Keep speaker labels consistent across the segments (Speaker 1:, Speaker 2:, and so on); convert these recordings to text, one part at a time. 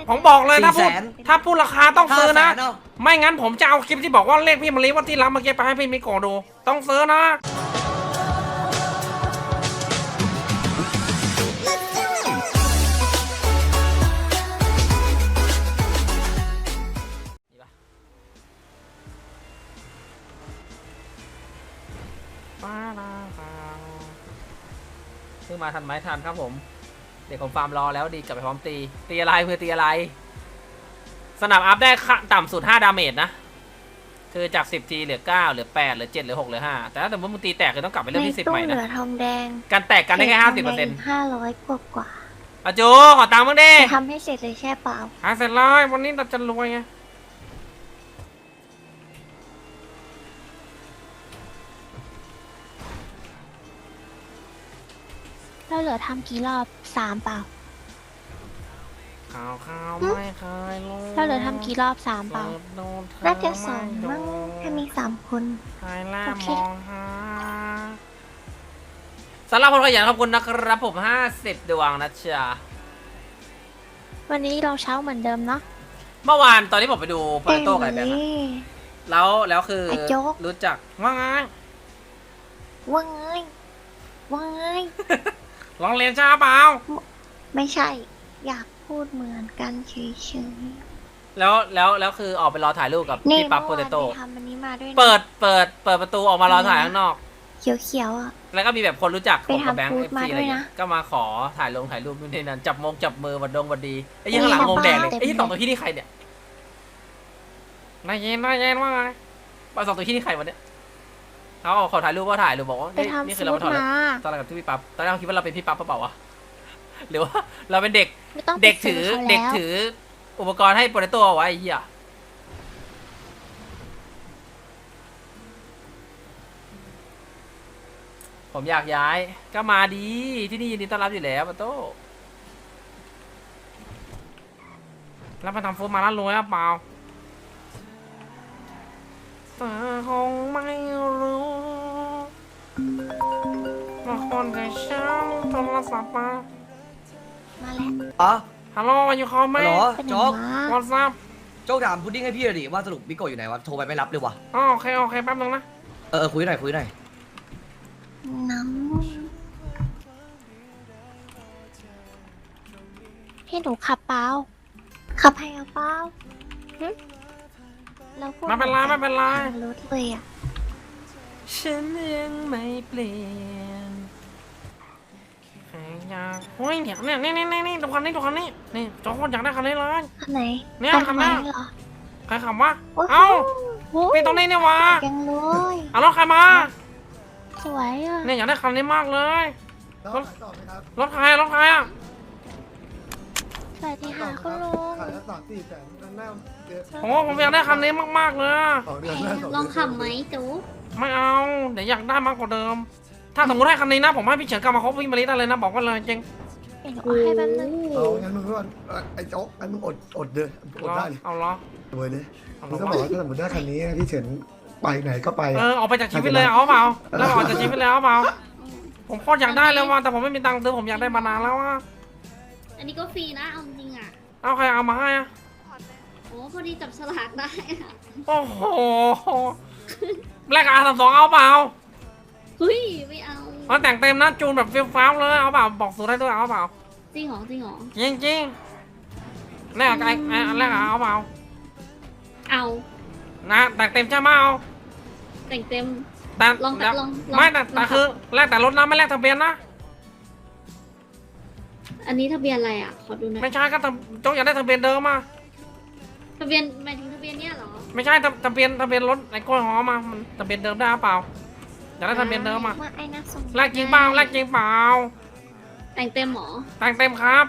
Speaker 1: ผมบอกเลยถ้าพูดราคาต้องซื้อนะ
Speaker 2: 500,000เนาะ
Speaker 1: ไม่งั้นผมจะเอาคลิปที่บอกว่าเลขพี่มะลิว่าที่รับเมื่อกี้ไปให้พี่มิโกะดูต้องซื้อนะซื้อมาทันไหมทันครับผมเด็กของฟาร์มรอแล้วดีกลับไปพร้อมตีอะไรเพื่อตีอะไรสนับอัพได้ต่ำสุด5ดาเมจนะคือจาก10ทีเหลือ9เหลือ8เหลือ7เหลือ6เหลือ5แต่ถ้าสมมติมึงตีแตกคือต้องกลับไปเริ่มที่10ใหม่นะ
Speaker 3: เหลือทองแดง
Speaker 1: การแตกกันได้แค่50%
Speaker 3: 500กว่า
Speaker 1: อาจูขอตังค์มึงดิ
Speaker 3: จะทำให้เสร็จเลยใช่เปล่า
Speaker 1: หาเสร็จเลยวันนี้เราจะรวยไง
Speaker 3: เราเหลือทำกี่รอบ3เปล่า
Speaker 1: ข่าวไม่เคยรู้
Speaker 3: เราเหลือทำกี่รอบ3เปล่า น่าจะ2มั้งถ้ามี3คน
Speaker 1: ใครล่า
Speaker 3: โอเค
Speaker 1: มองหาสำหรับคนขยันขอบคุณนะครับผม50ดวงนะจ๊ะ
Speaker 3: วันนี้เราเช้าเหมือนเดิมเนาะ
Speaker 1: เมื่อวานตอนที่ผมไปดูโปรโต้กับไอ้แบงค์อะ
Speaker 3: นี่
Speaker 1: แล้วคือ
Speaker 3: ไอ้โจ๊ก
Speaker 1: รู้จักว่าไง
Speaker 3: ว่าไงว่าไง
Speaker 1: ลองเรียนช้าเปล่า
Speaker 3: ไม่ใช่ อยากพูดเหมือนกันเฉย
Speaker 1: แล้วคือออกไปรอถ่ายรูปกับ
Speaker 3: ๆนี่
Speaker 1: พี่ปั๊บโป
Speaker 3: เมื่อ
Speaker 1: เต
Speaker 3: วาน
Speaker 1: โต้
Speaker 3: ไปทำอันนี้มาด้วยนะ
Speaker 1: เปิดประตูออกมารอถ่ายข้างนอก
Speaker 3: เขียวๆอ่ะ
Speaker 1: แล้วก็มีแบบคนรู้จักผมกับ
Speaker 3: ไปทำ
Speaker 1: แบงค์
Speaker 3: ฟู้
Speaker 1: เอ
Speaker 3: ด
Speaker 1: ฟ
Speaker 3: มา
Speaker 1: ซีอะไร
Speaker 3: ด้วย
Speaker 1: เงี้
Speaker 3: นะ
Speaker 1: ยก็มาขอถ่ายรูปนู่นนี่นั่นจับมือวัดดีไอ้ยี่ข้างหลังวงแดงเลยไอ้ยี่สองตัวที่นี่ใครเนี่ยนายเย็นว่าไงสองตัวที่นี่ใครวะเนี่ยเขาขอถ่ายรูปบอกว่า
Speaker 3: ไป
Speaker 1: นี่
Speaker 3: ทำ
Speaker 1: คือ
Speaker 3: ฟู้
Speaker 1: เรา
Speaker 3: ด
Speaker 1: มาถอด
Speaker 3: มา
Speaker 1: ตอนแรกกับที่พี่ปั๊บตอนแรกเราคิดว่าเราเป็นพี่ปั๊บเปล่าวะหรือว่าเราเป็นเด็ก
Speaker 3: ไม่ต้องไป
Speaker 1: เด็ก
Speaker 3: ซื้
Speaker 1: ถือ
Speaker 3: เขา
Speaker 1: เด็ก
Speaker 3: แล้ว
Speaker 1: ถืออุปกรณ์ให้โปรโตเอาไว้ไอ้เหี้ยผมอยากย้ายก็มาดีที่นี่ยินดีต้อนรับอยู่แล้วโปรโตแล้วมาทำฟูดมาแล้วรวยหรือเปล่าแต่คงไม่รู้ว่าคนกับฉันโทรศัพท์มา
Speaker 3: มาแล้ว
Speaker 2: อ๋อ
Speaker 1: ฮัลโหลอยู่คอมไหม
Speaker 2: ฮัลโหล
Speaker 3: เป็น
Speaker 2: โจ๊ก
Speaker 3: มา
Speaker 1: วอทซับ
Speaker 2: โจ๊กถามพุดดิ้งให้พี่หน่อยดิว่าสรุปมิโกะอยู่ไหนวะโทรไปไม่รับเลยวะ
Speaker 1: อ๋อโอเคแป๊บนึงนะ
Speaker 2: คุยหน่อย
Speaker 3: น้ำให้หนูขับเปล่าขับให้เอาเปล่าหึเราพูด
Speaker 1: ไม่เป็นไร
Speaker 3: ทางรถเลยอ่ะ
Speaker 1: ฉันยังไม่เปลี่ยนใครอยากเฮ้ยเดี๋ยวนี่ดูคันนี้นี่โจ๊กอยากได้คันนี้เลย
Speaker 3: คันไหน
Speaker 1: เนี่ย
Speaker 3: คัน
Speaker 1: คัน
Speaker 3: ไห
Speaker 1: ห
Speaker 3: น
Speaker 1: น้า
Speaker 3: เหรอ
Speaker 1: ใครขับวะ
Speaker 3: โอ้โห
Speaker 1: เอ้า
Speaker 3: โอ้ย
Speaker 1: เป็นตรงนี้เนี่ยวะ
Speaker 3: ยังเลย
Speaker 1: เอารถใครมา
Speaker 3: สวยอ่ะ
Speaker 1: เนี่ยอยากได้คันนี้มากเลย
Speaker 4: แล้วขายต่อไหมครับ
Speaker 1: รถใครอ่ะ
Speaker 3: สวัสดีค่ะคุณลุง
Speaker 4: ขายละ3-4 แสนหน้าเดือน
Speaker 1: โอ้ผมอยากได้คันนี้มากๆเลย
Speaker 4: 2 เดือนหน้า2 เดือน
Speaker 5: ลองขับไหมจู
Speaker 1: ไม่เอาเดี๋ยวอยากได้มากกว่าเดิม ถ้าสมมติให้คันนี้นะผมให้พี่เฉินกลับมาคบพี่มาริได้เลยนะบอกว่าเลยจริง
Speaker 3: เดี๋ยวหนูเอาให้แป๊บนึง
Speaker 4: เอางั้นมึงก็ไอ้โจ๊กงั้นมึงอดเดือนอดได้เลย
Speaker 1: เอาเหรอ
Speaker 4: รวยเลย
Speaker 1: เอา
Speaker 4: มึง
Speaker 1: เหร
Speaker 4: ต้อง
Speaker 1: อ
Speaker 4: บอกว่าถ้าสมมติได้คันนี้พี่เฉินไปไหนก็ไป
Speaker 1: เออออกไปจากชีวิตเลยเอาเปล่าแล้วออกจากชีวิตเลยเอาเปล่าผมโคตรอยากได้เลยว่ะแต่ผมไม่มีตังค์ซื้อผมอยากได้มานานแล้วอ่ะ
Speaker 5: อันนี้ก็ฟรีนะเอาจริงอ่ะ
Speaker 1: เอาใครเอามาให้อ่ะ
Speaker 5: โอ้พอดีจับฉลากได้อะ
Speaker 1: โอ้โหแลกR32เอาเปล่า
Speaker 5: เฮ้ยไม่เอา
Speaker 1: เอาแต่งเต็มนะจูนแบบฟิลฟ้าวเลยเอาเปล่าบอกสูตรให้ด้วยเอาเปล่า
Speaker 5: จริงเหรอจริงเหรอ
Speaker 1: จริงแลกไอ้แลกเอาเปล่า
Speaker 5: เอา
Speaker 1: นะแต่งเต็มใช่ไหมเอา
Speaker 5: แต่งเต็ม
Speaker 1: แต่
Speaker 5: ลองลอง
Speaker 1: ไม่แต่คือแลกแต่รถนะไม่แลกทะเบียนนะ
Speaker 5: อันนี้ทะเบียนอะไรอ่ะขอดูหน่อย
Speaker 1: ไม่ใช่ก็โจ๊กอยากได้ทะเบียนเดิมมา
Speaker 5: ทะเบียนหมายถึงทะเบียนเนี้ยเหรอ
Speaker 1: ไม่ใช่ทะเบียนรถไอ้กล้วยหอมมามันทะเบียนเดิมได้เปล่าอยากได้ทะเบียนเดิมมา
Speaker 3: มาไอ้นักส่ง
Speaker 1: แลกจริงเปล่าแลกจริงเปล่า
Speaker 5: แต่งเต็มเหรอ
Speaker 1: แต่งเต็มครับ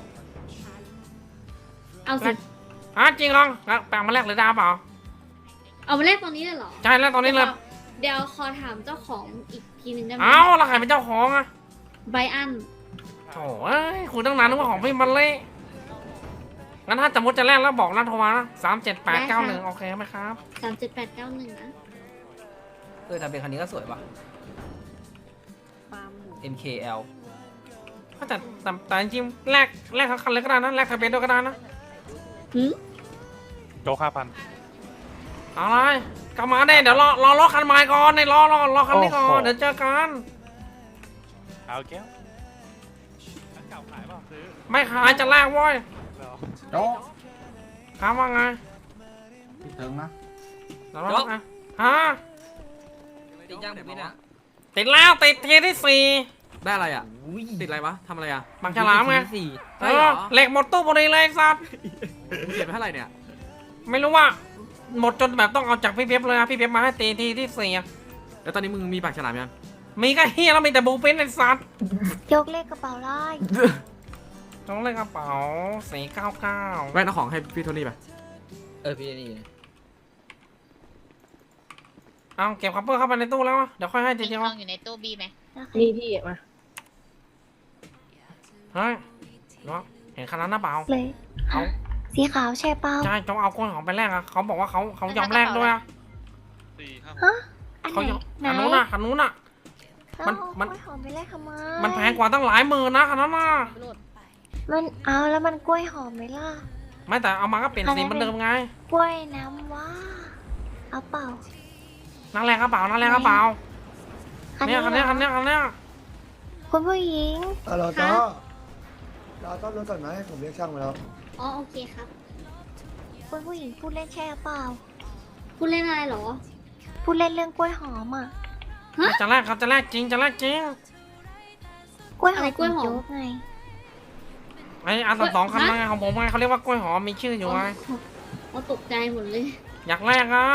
Speaker 5: เอาสิ
Speaker 1: จริงลองแล้วแปลงมาแลกเลยได้เปล่า
Speaker 5: เอามาแลกตอนนี้เลยเหรอ
Speaker 1: ใช่แล้วตอนนี้เลย
Speaker 5: เดี๋ยวขอถามเจ้าของอีกทีหนึ่งได้ไหม
Speaker 1: เอ้าแล้วใครเป็นเจ้าของอ่ะ
Speaker 5: ไบรอัน
Speaker 1: โถ่เอ้ยคุยตั้งนานนึกว่าของพี่มันเล่งั้นถ้าสมมติจะแลกแล้วบอกนะโทรมานะ37891โอเคไหมครับ
Speaker 5: 37891นะ
Speaker 1: ทะเบียนคันนี้ก็สวยป่ะ
Speaker 5: ปั๊ม
Speaker 1: MKL แต่จริงๆแลกทั้งคันเลยก็ได้นะแลกทะเบียนด้วยก็ได้นะ
Speaker 6: โจ๊ก5,000
Speaker 1: อะไรกลับมาได้เดี๋ยวรอรถคันใหม่ก่อนในรอคันนี้ก่อนเดี๋ยวเจอกัน
Speaker 6: เอาแก้วอันเก่าขายเปล่าซื้อ
Speaker 1: ไม่ขายจะแลกเว้ย
Speaker 6: แล้ว
Speaker 4: โจ๊ก
Speaker 1: ถามว่าไง
Speaker 4: พี่เถิงนะ
Speaker 1: แล้วรถนะฮะ
Speaker 2: ติดย่างผมนี่เนี่ย
Speaker 1: ติดแล้วติดทีที่
Speaker 7: ได้อะไรอ่ะ ติดอะไรวะทำอะไรอ่ะ
Speaker 1: 4บางฉลามไง
Speaker 7: สี่
Speaker 1: เอ
Speaker 7: ใช่เหร
Speaker 1: อ
Speaker 7: อ
Speaker 1: เหล็กหมดตู้พอดีเลยไอ้สัตว์
Speaker 7: เก็บไปเท่าไหร่เนี่ย
Speaker 1: ไม่รู้ว่าหมดจนแบบต้องเอาจากพี่เป๊ปเลยอะพี่เป๊ปมาให้ตีทีที่ 4อะ
Speaker 7: แล้วตอนนี้มึงมีปากฉลามยัง
Speaker 1: มีก็เฮียแล้วมีแต่บูปินไอ้สัตว์
Speaker 3: ยกเลขกระเป๋าได้
Speaker 1: ต้องเลขกระเป๋า499
Speaker 7: แว่นเอาของให้พี่โทนี่ไป
Speaker 2: พี่นี่
Speaker 1: เอาเก็บคัพเปอร์เข้าไปในตู้แล้วอะเดี๋ยวค่อยให้ที
Speaker 8: มี
Speaker 1: เดียว
Speaker 8: ทองอยู่ในตู้บีไหม
Speaker 5: นี่พี่มา
Speaker 1: เฮ้ยเนาะเห็นคันนั้นหรือเปล่า
Speaker 3: เลย
Speaker 1: เอา
Speaker 3: สีขาวใช่เปล่า
Speaker 1: ใช่จงเอากล้วยหอมไปแลกอะเขาบอกว่าเขายอมแลกด้วยอะ
Speaker 3: ฮะอันไห
Speaker 1: เขา
Speaker 3: น
Speaker 1: ยอม
Speaker 3: ไหน
Speaker 1: อันนู้นอะอันนู้นอะ
Speaker 3: แล้ว
Speaker 1: มัน
Speaker 3: เอา
Speaker 1: มัน
Speaker 3: กล้วยหอมไปแลกทำไม
Speaker 1: มันแพงกว่าตั้งหลายหมื่นนะคันนั้นน่ะ
Speaker 3: มันเอาแล้วมันกล้วยหอมไหมล่ะ
Speaker 1: ไม่แต่เอามาก็เปลี่ยนสีเหมือนเดิมไง
Speaker 3: กล้วยน้ำว้าเอาเปล่า
Speaker 1: นั่งแลกกระเป๋านั่งแลกกระเป๋าเนี่ยคันเนี้ย
Speaker 3: คุณผู้หญิง
Speaker 4: เราต้อเราต้องรถก่อนไหมผมเรียกช่างมาแล้ว
Speaker 5: อ๋อโอเคครับ
Speaker 3: คุณผู้หญิงพูดเล่นใช่หรือเปล่า
Speaker 5: พูดเล่นอะไรเหรอ
Speaker 3: พูดเล่นเรื่องกล้วยหอมอ่ะ
Speaker 1: จะแลกครับจะแลกจริงจะแลกจริง
Speaker 3: กล้วยหอ
Speaker 5: อะไร
Speaker 3: ม
Speaker 5: กล้วยหอม
Speaker 3: โจ๊กไง
Speaker 1: ไอ้อันสองคันไงของผมไงเขาเรียกว่ากล้วยหอมมีชื่ออยู่ไง
Speaker 5: อ๋อตกใจหมดเลย
Speaker 1: อยากแลกอ่ะ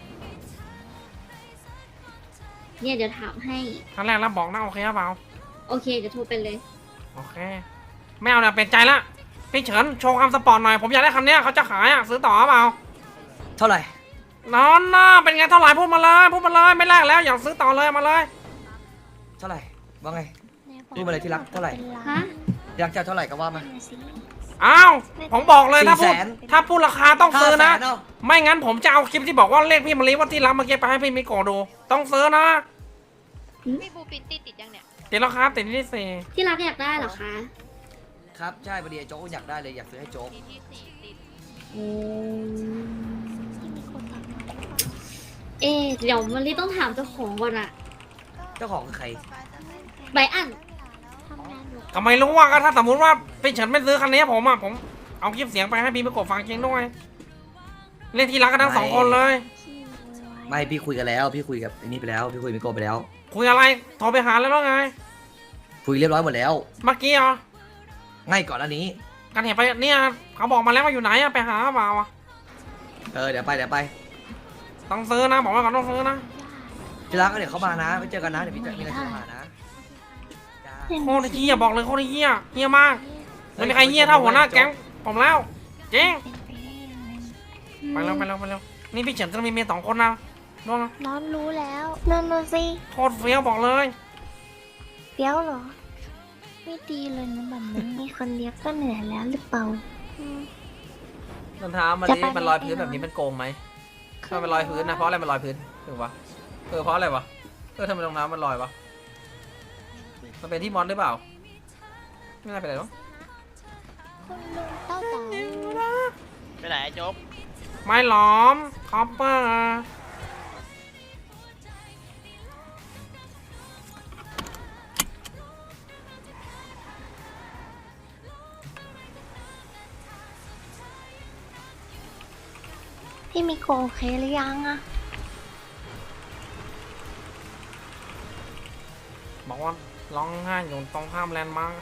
Speaker 5: เนี่ยเดี๋ยวถามให้
Speaker 1: ถ้าแลกแล้วบอกนะโอเคหรือเปล่า
Speaker 5: โอเคเดี๋ยวโทรไปเลย
Speaker 1: โอเคไม่เอาเนี่ยเปลี่ยนใจละพี่เฉินโชว์ความสปอร์ตหน่อยผมอยากได้คันเนี้ยเขาจะขายอ่ะซื้อต่อหรือเปล่า
Speaker 2: เท่าไหร่
Speaker 1: นอนน่ะเป็นไงเท่าไหร่พูดมาเลยไม่แลกแล้วอยากซื้อต่อเลยมาเลย
Speaker 2: เท่าไหร่ว่าไง
Speaker 3: ไหนบอก
Speaker 2: พูดมาเลยที่รักเท่าไหร่
Speaker 3: ป็นล้น
Speaker 5: ฮะ
Speaker 2: อยากจะเท่าไหร่ก็ว่ามา
Speaker 3: นั่นน่ะสิ
Speaker 1: อ้าวผมบอกเลยถ้าพูด
Speaker 2: 400,000
Speaker 1: ถ้าพูดราคาต้องซื้อนะ
Speaker 2: 500,000เอา
Speaker 1: ไม่งั้นผมจะเอาคลิปที่บอกว่าเลขพี่มารีว่าที่รับเมื่อกี้ไปให้พี่มิโกะดู ต้องซื้อนะ
Speaker 8: พี่บูปินติดยังเนี่ย
Speaker 1: ติดแล้วครับติดที่สี่
Speaker 5: ที่รักอยากได้เหรอคะ
Speaker 2: ครับใช่พอดีไอ้โจ๊กอยากได้เลยอยากซื้อให้โจ๊ก
Speaker 8: ที่4ติด
Speaker 3: ที่มีคนตัดมา
Speaker 5: เอ๊ะเดี๋ยวมันรีต้องถามเจ้าของก่อนอะ
Speaker 2: เจ้าของคือใคร
Speaker 5: ใบอัน
Speaker 3: ทำงานอยู่
Speaker 1: ก็ไม่รู้ว่าก็ถ้าสมมติว่าพี่เฉินไม่ซื้อคันนี้ผมอ่ะผมเอาคลิปเสียงไปให้พี่มิโกะฟังจริงด้วยเล่นที่รักกันทั้งสองคนเลย
Speaker 3: ขี้ไว้
Speaker 2: ไม่พี่คุยกันแล้วพี่คุยกับไอ้นี่ไปแล้วพี่คุยกับมิโกะไปแล้ว
Speaker 1: คุยอะไรโทรไปหาแล้วไง
Speaker 2: คุยเรียบร้อยหมดแล้ว
Speaker 1: เมื่อกี้เหรอ
Speaker 2: ง่ายก่อนอันนี้
Speaker 1: กันเห็นไปเนี่ยเขาบอกมาแล้วว่าอยู่ไหนอะไปหาเปล่าอะ
Speaker 2: เดี๋ยวไป
Speaker 1: ต้องซื้อนะบอกไว้ก่อนต้องซื้อนะ
Speaker 2: ที่รักก็เดี๋ยวเขามานะไปเจอกันนะเดี๋ยวพี่จะมีอะไรจะมานะจ้า
Speaker 1: โคตรเฮียบอกเลยโคตรเฮียมากไม่มีใครเฮียเท่าหัวหน้าแก๊งผมแล้วจริง
Speaker 3: เป็นไปได้ยังไง
Speaker 1: ไปเร็วนี่พี่เฉินจะมีเมีย2 คนนะรู้นะ
Speaker 3: น้องรู้แล้วนั่นน่ะสิ
Speaker 1: โคตรเฟี้ยวบอกเลย
Speaker 3: เปี้ยวเหรอ ไม่ดีเลยนะแบบนี้มีคนเดียวก็เหนื่อยแล้วหรือเปล่าอืม
Speaker 1: รองเท้ามัน
Speaker 3: จะ
Speaker 1: นี่
Speaker 3: ไป
Speaker 1: มันลอยพื้น
Speaker 3: ไหน
Speaker 1: แบบนี้มันโกงไหมทำไมมันลอยพื้นนะเพราะอะไรมันลอยพื้นถูกปะเพราะอะไรวะทำไมรองเท้ามันลอยวะมันเป็นที่มอนหรือเปล่าไม่น่าเป็นไรหรอก
Speaker 3: คุณลุงเต้าเต๋า
Speaker 8: ไปไหนโจ๊ก
Speaker 1: ไม่หลอมคอปเปอร์
Speaker 3: พี่มีโกโอเคหรือยังอะ
Speaker 1: บอกว่าร้องไห้อยู่ตรงข้ามแลนด์มาร์ค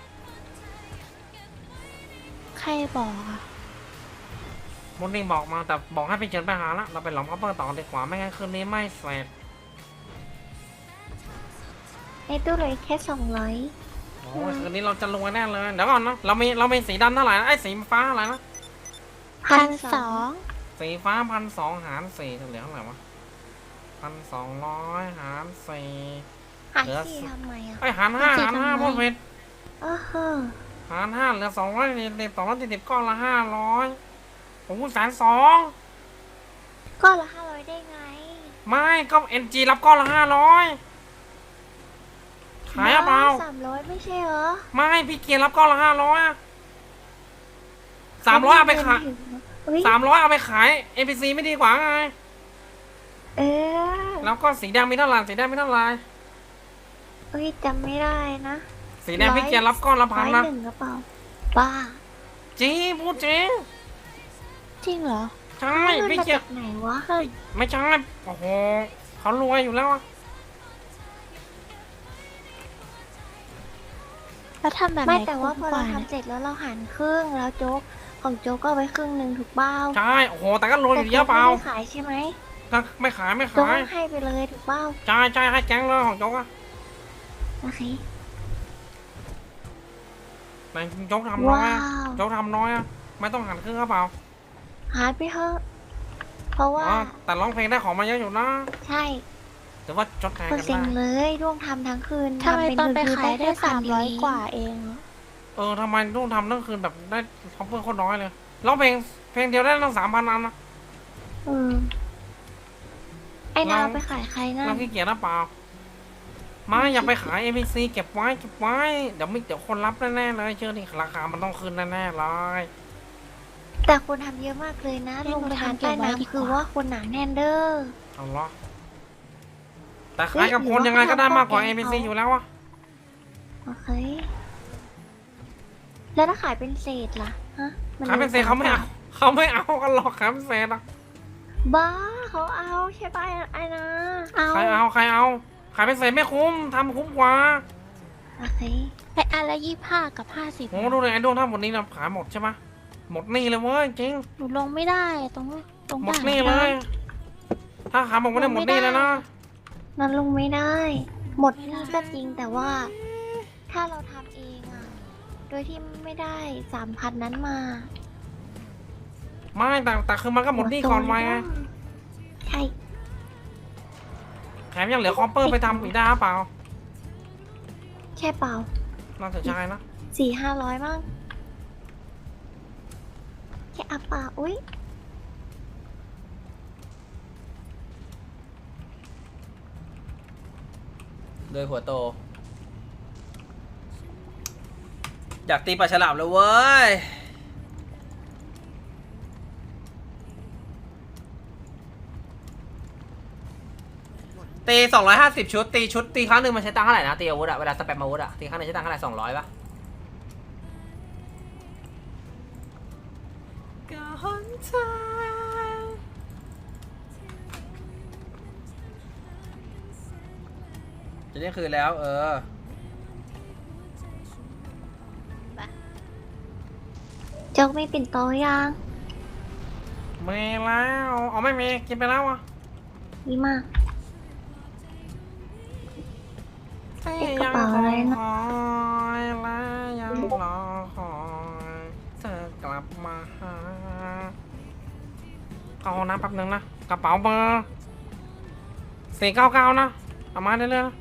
Speaker 3: ใครบอกอะ
Speaker 1: มุนนี่บอกมาแต่บอกให้ไปเชิญไปหาละเราไปหลอมคอปเปอร์ต่อดีกว่าไม่งั้นคืนนี้ไม่เสร็จ
Speaker 3: ในตู้เหลยแค่200
Speaker 1: โอ้ยคืนนี้เราจะรวยแน่เลยเดี๋ยวก่อนนะเรามีสีดำเท่าไหร่นะไอ้สีฟ้าอะไรนะ
Speaker 3: 1,200
Speaker 1: สีฟ้า1,200หาร4เหลือเท่าไหร่วะ1,200หาร4
Speaker 3: หารสี่ทำไมอะ
Speaker 1: ไอ้ยหาร5พูดผิด
Speaker 3: เออเฮ้อ
Speaker 1: หาร5เหลือ240ก้อนละ500โอ้โห120,000
Speaker 3: ก้อนละ500ได้ไง
Speaker 1: ไม่ก็ NG รับก้อนละ500ขายอะเปล่า
Speaker 3: 300ไม่ใช่เหรอ
Speaker 1: ไม่พี่เกียร์รับก้อนละ500อะ 300เอาไปขาย
Speaker 3: เฮ้ย
Speaker 1: 300เอาไปขาย NPC ไม่ดีกว่าไง
Speaker 3: เออ
Speaker 1: แล้วก็สีแดงมีเท่าไหร่สีแดงมีเท่าไหร่
Speaker 3: เฮ้ยจำไม่ได้นะ
Speaker 1: สีแดงพี่เกียร์รับก้อนละพันนะ
Speaker 3: 101กระเป๋าบ้า
Speaker 1: จริงพูดจริง
Speaker 3: จริงเหรอ
Speaker 1: ใช่
Speaker 3: เงิน
Speaker 1: พี่
Speaker 3: มา
Speaker 1: เกีย
Speaker 3: จา
Speaker 1: ร์
Speaker 3: กไหนวะ
Speaker 1: ไม่ใช่โอ้โหเขารวยอยู่แล้วอะ
Speaker 3: แล้วทำแบบไม่แต่ว่าพอเราทำเสร็จแล้วเราหันครึ่งแล้วโจ๊กของโจ๊กก็เอาไปครึ่งหนึ่งถูกเปล่า
Speaker 1: ใช่โอ้โหแต่ก็รวยอยู่เยอะเปล่า
Speaker 3: แต่โจ๊กไม่ได้ขายใช่ไหม
Speaker 1: ก็ไม่ขายไม่
Speaker 3: โจ๊ก
Speaker 1: ขาย
Speaker 3: ให้ไปเลยถูกเปล่า
Speaker 1: ใช่ใช่ให้แก๊งเลยของโจ๊กอะ
Speaker 3: โอเค
Speaker 1: แต่โจ๊กทำน้อย
Speaker 3: ว้า
Speaker 1: อะ
Speaker 3: ว
Speaker 1: โจ๊กทำน้อยอะไม่ต้องหันครึ่งก็เปล่า
Speaker 3: หายไปเถอะเพราะว่า
Speaker 1: อ๋อแต่ร้องเพลงได้ของมาเยอะอยู่นะ
Speaker 3: ใช่
Speaker 1: ถือว่าจดแทน
Speaker 3: ก็
Speaker 1: กัน
Speaker 3: เซ็ง
Speaker 1: ได้
Speaker 3: เลยร่วงทำทั้งคืน
Speaker 9: ทำไมตอนไป
Speaker 3: คื
Speaker 9: ขายได้
Speaker 3: แค่1,000
Speaker 9: 300 กว่าเอง
Speaker 1: ทำไมต้องทำทั้งคืนแบบได้ท็อปเปอร์โคตรน้อยเลยร้องเพลงเดียวได้ตั้ง3,000อันนะ
Speaker 3: เออไอ้นาวไปขายใครนั่
Speaker 1: เรา
Speaker 3: น
Speaker 1: ขี้เกียจนะเปล่าไม่อย่าไปขาย NPC เก็บไว้เดี๋ยวคนรับแน่ๆเลยเชื่อดิราคามันต้องขึ้นแน่ๆเลย
Speaker 3: แต่คนทำเยอะมากเลยนะ
Speaker 9: ให้
Speaker 3: ลงไป
Speaker 9: หนู
Speaker 3: ทาน
Speaker 9: ทำเก็
Speaker 3: ใต้
Speaker 9: บไว้ดีกว่า
Speaker 3: น้ำคือว่าคนหนาแน่นเด้อ
Speaker 1: เอาเหรอแต่ขายกับคนยังไงก็ได้มากกว่า NPC อยู่แล้วอะ
Speaker 3: โอเค แล้วถ้าขายเป็นเศษล่ะฮะมั
Speaker 1: ขายเป็นเศษเขาไม่เอากันหรอกขายเป็นเศษอะ
Speaker 3: บ้าเขาเอาใช่ป่ะไอ้นะ
Speaker 1: ใครเอาขายเป็นเศษไม่คุ้มทำคุ้มกว่า
Speaker 3: โอเค
Speaker 9: ไออันละ25 กับ 50
Speaker 1: โอ้ดูเลยไอ้ดวงถ้าหมดนี้นะขายหมดใช่ปะหมดนี่เลยเว้ยจริง
Speaker 9: หนูลงไม่ได้ตรง
Speaker 1: หมดนี่เลย ถ้าขายหมดไม่ได้หมดนี่เลยนะ
Speaker 3: นั้นลงไม่ได้ หมดนี่ก็จริงแต่ว่า ถ้าเราทำเองอะโดยที่ไม่ได้ 3,000 นั้นมา
Speaker 1: ไม่แต่คือมันก็หมดนี่ก่อนไว้ไง
Speaker 3: ใช่
Speaker 1: แถมยังเหลือคอปเปอร์ไปทำอีกได้เปล่า
Speaker 3: ใช่เปล่า
Speaker 1: น่าจะใช่นะ
Speaker 3: 400-500มั้งแค่อัปป่าอุ้ย
Speaker 1: โดยหัวโต อยากตีปลาฉลามเลยเว้ย ตี250 ชุด ตีครั้งหนึ่งมันใช้ตังค์เท่าไหร่นะ ตีอาวุธอะเวลาสแปมอาวุธอะตีครั้งหนึงใช้ตังค์เท่าไหร่200ป่ะจะได้คืนแล้ว
Speaker 3: โจ๊กไม่ปิ่นโตยัง
Speaker 1: ไม่แล้วเอาไม่มีกินไปแล้วอ่ะ
Speaker 3: ดีมาก
Speaker 1: ยัง
Speaker 3: กระเป๋าอะไรนะ
Speaker 1: คอยและยังรอคอยเธอกลับมาหาเอาน้ำแป๊บนึงนะกระเป๋าเบอร์499นะเอามาเรื่อยๆนะ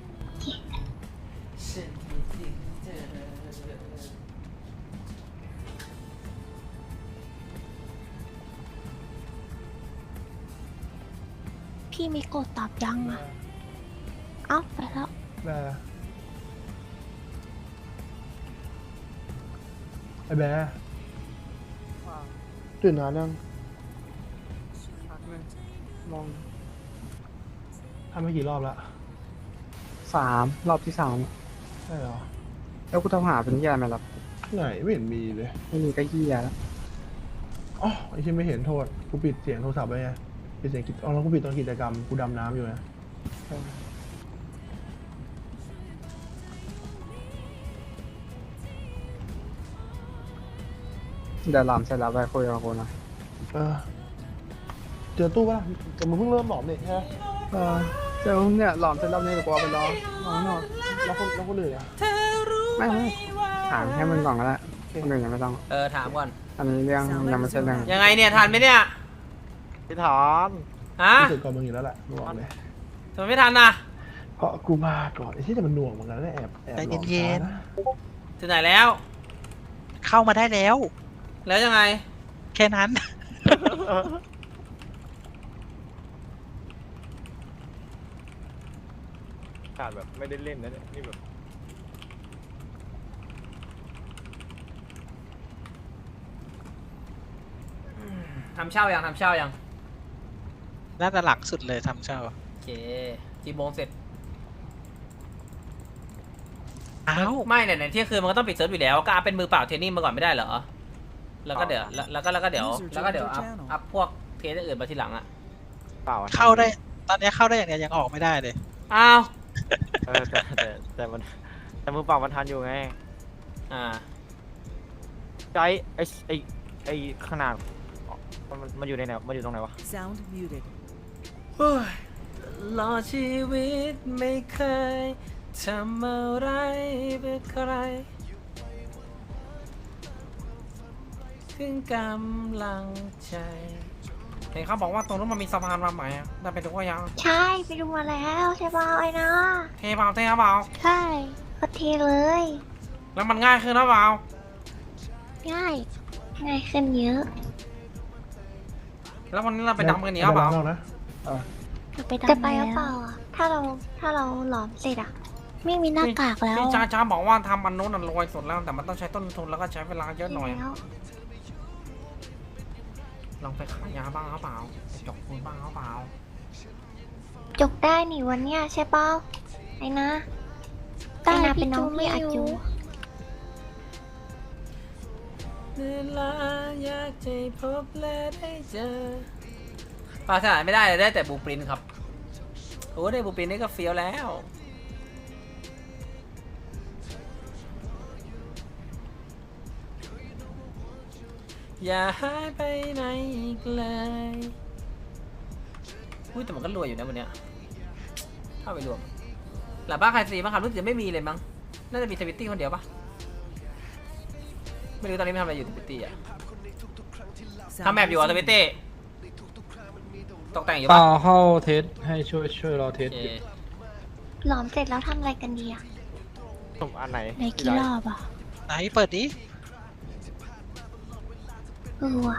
Speaker 9: พี่มิโกะตอบยังอ่ะ เอ้าไปแล้ว
Speaker 4: ไอ้แบร์ตื่นนานยังมองทำไปกี่รอบละ
Speaker 10: รอบที่ 3
Speaker 4: ใช่เหรอ
Speaker 10: แล้วกูต้องหาเป็นเหี้ยอะไรมารับ
Speaker 4: ไหนไม่เห็นมีเลย
Speaker 10: ไม่มีก็เหี้ยแล้ว
Speaker 4: อ๋อไอ้ที่ไม่เห็นโทษกูปิดเสียงโทรศัพท์ไว้ไงปิดเสียงกิจอ๋อแล้วกูปิดตอนกิจกรรมกูดำน้ำอยู่นะ
Speaker 10: เดี๋ยวหลอมเสร็จแล้วไปคุยกับกูนะ
Speaker 4: เจอตู้ปะล่ะแต่มึงเพิ่งเริ่มหลอมนี่ใช่ไหม
Speaker 10: เจ้าเนี่ยหลอมเสร็จแล้วเนี่ยเดี๋ยวกูเอาไปรอน้อง
Speaker 4: แล้วคนอื่นอ่ะ
Speaker 10: ไม่ถามแค่มึงก่อนก็ได้คนอื่นยังไม่ต้อง
Speaker 1: ถามก่อน
Speaker 10: อันนี้เรื่องยังไม่ใช่เรื่อง
Speaker 1: ยังไงเนี่ยทันไหมเนี่ย
Speaker 6: พี่ถอน
Speaker 1: ฮะ
Speaker 4: รู้สึกก่อนมึงอยู่แล้วแหละมึงบอกเลย
Speaker 1: ทำไมไม่ทันน่ะ
Speaker 4: เพราะกูมาก่อนไอ้ที่แต่มันหน่วงเหมือนกันนะแอบหลอกช้านะ
Speaker 1: ถึงไหนแล้ว
Speaker 11: เข้ามาได้แล้ว
Speaker 1: แล้วยังไง
Speaker 11: แค่นั้น
Speaker 6: ขาดแบบไม่ได้เล่นนะเนี่ยนี่แบบ
Speaker 1: ทำเช่ายังทำเช่ายัง
Speaker 11: น่าจะหลังสุดเลยทำเช่า
Speaker 1: โอเคกี่โมงเสร็จ
Speaker 11: อ้าว
Speaker 1: ไม่เนี่ยในเที่ยงคืนมันก็ต้องปิดเซิร์ฟอยู่แล้วก็อัพเป็นมือเปล่าเทรนนิ่งมาก่อนไม่ได้เหรอแล้วก็เดี๋ยวแล้วก็เดี๋ยวอัพพวกเทรนอื่นมาทีหลังอ่ะ
Speaker 10: เปล่า
Speaker 11: เข้าได้ ตอนนี้เข้าได้อย่างเดียวยังออกไม่ได้เลย
Speaker 1: อ้าว
Speaker 10: แต่มือเปล่ามันทันอยู่ไง
Speaker 1: อ่า
Speaker 10: ใจไอขนาดมันอยู่ในไหนมันอยู่ตรงไหนวะ
Speaker 1: เฮ้ยรอชีวิตไม่เคยทำอะไรเพื่อใครถึงกำลังใจเห็นเขาบอกว่าตรงนู้นมันมีสะพานมาใหม่อะได้ไปดูว่ายัง
Speaker 3: ใช่ไปดูมาแล้วใช่เปล่าไอ้นะ
Speaker 1: เทเปล่าเทเปล่า
Speaker 3: ใช่ก็เทเลย
Speaker 1: แล้วมันง่ายขึ้นหรือเปล่า
Speaker 3: ง่ายง่ายขึ้นเยอะ
Speaker 1: แล้ววันนี้เราไปดำกันเหนียวเปล่า
Speaker 4: ไม่ได้นะ
Speaker 9: ไปดำ
Speaker 3: จะไปห
Speaker 9: แล้
Speaker 3: รือ
Speaker 9: ว
Speaker 3: เปล่าอ่ะถ้าเราหลอมเสร็จอ่ะ
Speaker 9: ไม่มีหน้ากากแล้ว
Speaker 1: พี่จ้าบอกว่าทำอันนู้นอันรวยสุดแล้วแต่มันต้องใช้ต้นทุนแล้วก็ใช้เวลาเยอะหน่อย
Speaker 3: แล้ว
Speaker 1: ลองไปขายยาบ้างหรือเปล่าไปจกปูนบ้างหรือเปล่า
Speaker 3: จกได้นี่วันเนี้ยใช่เปล่าไอ้นะไอ้นะเป็นน้องพี่อาจู
Speaker 1: เวลาอยากจะพบและได้เจอปลาสนานไม่ได้เลยได้แต่บูปรินครับโอ้ได้บูปรินนี่ก็เฟี้ยวแล้วอย่าหายไปไหนอีกเลยอุ้ยแต่มันก็รวยอยู่นะวันเนี้ยเข้าไปรวมหลับบ้านใครซีบ้างครับรู้สึกจะไม่มีเลยมั้งน่าจะมีสวิตตี้คนเดียวปะไม่รู้ตอนนี้ไม่ทำอะไรอยู่สวิตตี้อะทำแมปอยู่อ่ะสวิตตี้ตกแต่งอยู่ปะ
Speaker 10: เข้าเทสให้ช่วยรอเทส
Speaker 1: โอเค
Speaker 3: หลอมเสร็จแล้วทำอะไรกันดีอ่ะ
Speaker 10: อันไหน
Speaker 9: ในกี่รอบอ่ะ
Speaker 11: ไหนเปิดดิ
Speaker 3: ว่ะ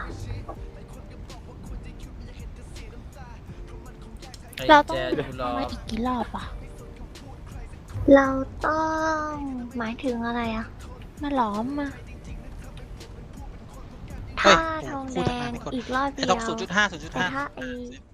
Speaker 1: ไอ้
Speaker 9: เราต้อง
Speaker 1: แจดูรอ
Speaker 9: มาอีกกี่รอบอ่ะ
Speaker 3: เราต้องหมายถึงอะไรอ่ะ
Speaker 9: มาหลอมมา
Speaker 11: เฮ้
Speaker 3: ถ้าย ทอง
Speaker 11: พู
Speaker 3: แด
Speaker 11: ดทำไม
Speaker 3: ง
Speaker 11: ไม่กด
Speaker 3: อีกรอบเดี
Speaker 11: ไอ้
Speaker 3: ยว
Speaker 11: ต้อง 0.5
Speaker 3: แต่ถ้าไอ้
Speaker 11: 0.5